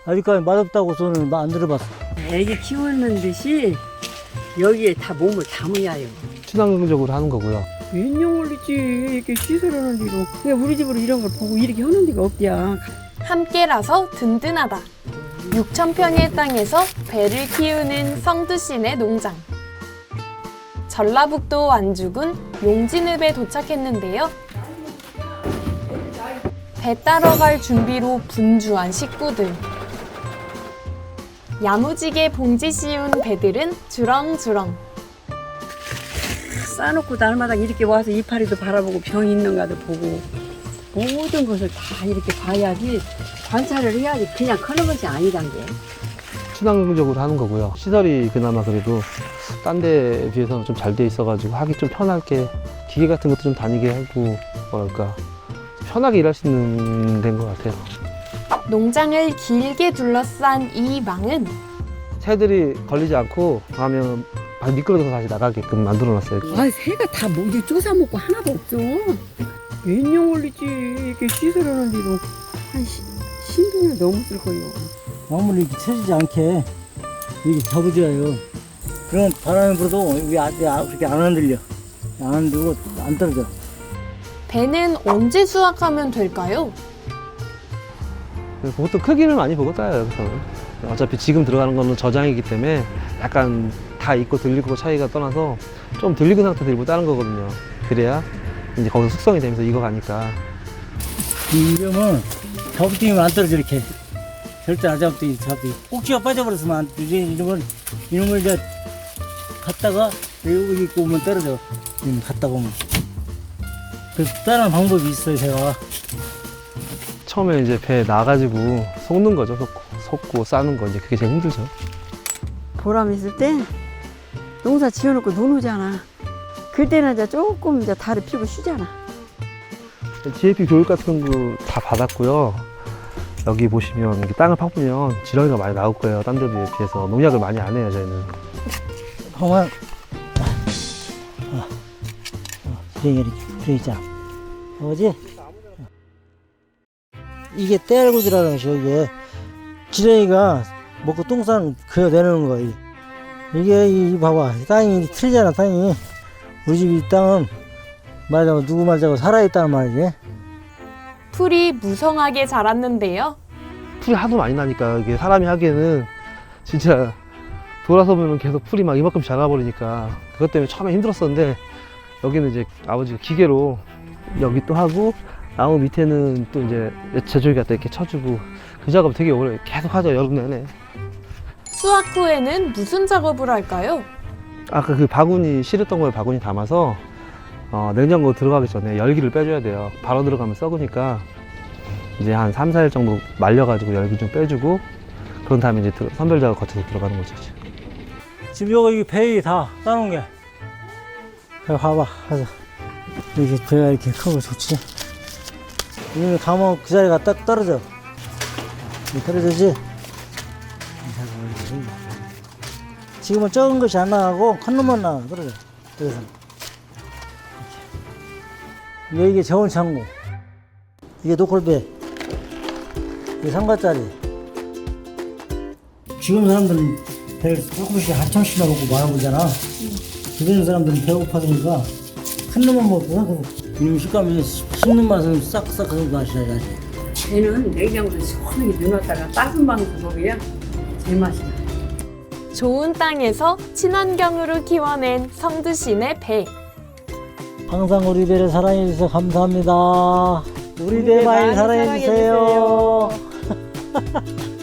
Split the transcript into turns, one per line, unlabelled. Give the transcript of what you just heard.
아직까지 맛없다고 저는 안 들어봤어.
애기 키우는 듯이 여기에 다 몸을 담으야요.
친환경적으로 하는 거고요.
몇년 걸리지 이렇게 시설하는 데로. 그냥 우리 집으로 이런 걸 보고 이렇게 하는 데가 없디야.
함께라서 든든하다. 6,000평의 땅에서 배를 키우는 성두씨네 농장. 전라북도 완주군 용진읍에 도착했는데요. 배 따러 갈 준비로 분주한 식구들. 야무지게 봉지 씌운 배들은 주렁주렁.
싸놓고 날마다 이렇게 와서 이파리도 바라보고 병이 있는가도 보고 모든 것을 다 이렇게 봐야지, 관찰을 해야지 그냥 커는 것이 아니란 게.
친환경적으로 하는 거고요. 시설이 그나마 그래도 딴 데 비해서는 좀 잘 돼 있어가지고 하기 좀 편하게, 기계 같은 것도 좀 다니게 하고, 뭐랄까 편하게 일할 수 있는 데인 것 같아요.
농장을 길게 둘러싼 이 망은
새들이 걸리지 않고 가면 미끄러져서 다시 나가게끔 만들어놨어요.
아, 새가 다 뭐지 쪼사 먹고 하나도 없어. 몇 년 걸리지 이렇게 시설하는 데로. 한 10년은 넘었을 거예요.
마무리 이렇게 쳐지지 않게 이렇게 잡아줘요. 그럼 바람이 불어도 그렇게 안 흔들려. 안 흔들고 안 떨어져.
배는 언제 수확하면 될까요?
보통 크기를 많이 보고 따요, 여기서는. 어차피 지금 들어가는 거는 저장이기 때문에 약간 다 익고 들리고 차이가 떠나서 좀 들리는 상태에서 일부 따는 거거든요. 그래야 이제 거기서 숙성이 되면서 익어가니까.
이러면 잡으면 안 떨어져 이렇게. 절대 안 잡으면 꼭지가 빠져버렸으면 안 되지. 이런 걸 이제 갔다가 여기 있고 오면 떨어져. 갔다가 오면. 그래서 다른 방법이 있어요, 제가.
처음에 이제 배에 나가지고 섞는 거죠. 섞고 싸는 거, 이제 그게 제일 힘들죠.
보람 있을 때 농사 지어놓고 눈 오잖아. 그때는 이제 조금 이제 달을 피고 쉬잖아.
GAP 교육 같은 거 다 받았고요. 여기 보시면 이렇게 땅을 파보면 지렁이가 많이 나올 거예요. 딴 데에 비해서. 농약을 많이 안 해요, 저희는.
그만. 지렁이 이렇게 들어있잖아. 뭐지? 이게 떼알구지라는 것이요, 이게. 지렁이가 먹고 똥 싸는 그거 내놓는 거야. 이게, 봐봐. 땅이 틀리잖아, 땅이. 우리 집 이 땅은 말하자면 누구 말자고 살아있다는 말이지.
풀이 무성하게 자랐는데요.
풀이 하도 많이 나니까 이게 사람이 하기에는 진짜 돌아서 보면 계속 풀이 막 이만큼 자라버리니까 그것 때문에 처음에 힘들었었는데, 여기는 이제 아버지가 기계로 여기 또 하고 나무 밑에는 또 이제 제조기 갖다 이렇게 쳐주고, 그 작업 되게 오래 계속 하죠, 여름 내내.
수확 후에는 무슨 작업을 할까요?
아까 그 바구니 실었던 거에 바구니 담아서 냉장고 들어가기 전에 열기를 빼줘야 돼요. 바로 들어가면 썩으니까 이제 한 3, 4일 정도 말려가지고 열기 좀 빼주고, 그런 다음에 이제 선별 작업 거쳐서 들어가는 거죠. 지금
여기 배에 다 따놓은 게. 봐봐. 이렇게 배가 이렇게 크고 좋지. 이거 가면 그 자리가 딱 떨어져. 떨어지지? 지금은 적은 것이 안 나가고 큰 놈만 나가. 떨어져. 그래서 이게 저온 창고. 이게 노콜배. 이게 상가짜리. 지금 사람들은 배를 조금씩 한참씩 나가고 많은 거잖아. 주변 사람들은 배고파서니까 큰 놈만 먹고, 이놈 식감이 씹는 맛은 싹싹 그 맛이야.
얘는 냉장고에 시원하게 넣어놨다가 따뜻한 방에서 먹어야 제맛이 나.
좋은 땅에서 친환경으로 키워낸 성두시네 배.
항상 우리 배를 사랑해주셔서 감사합니다. 우리 배 많이 사랑해주세요.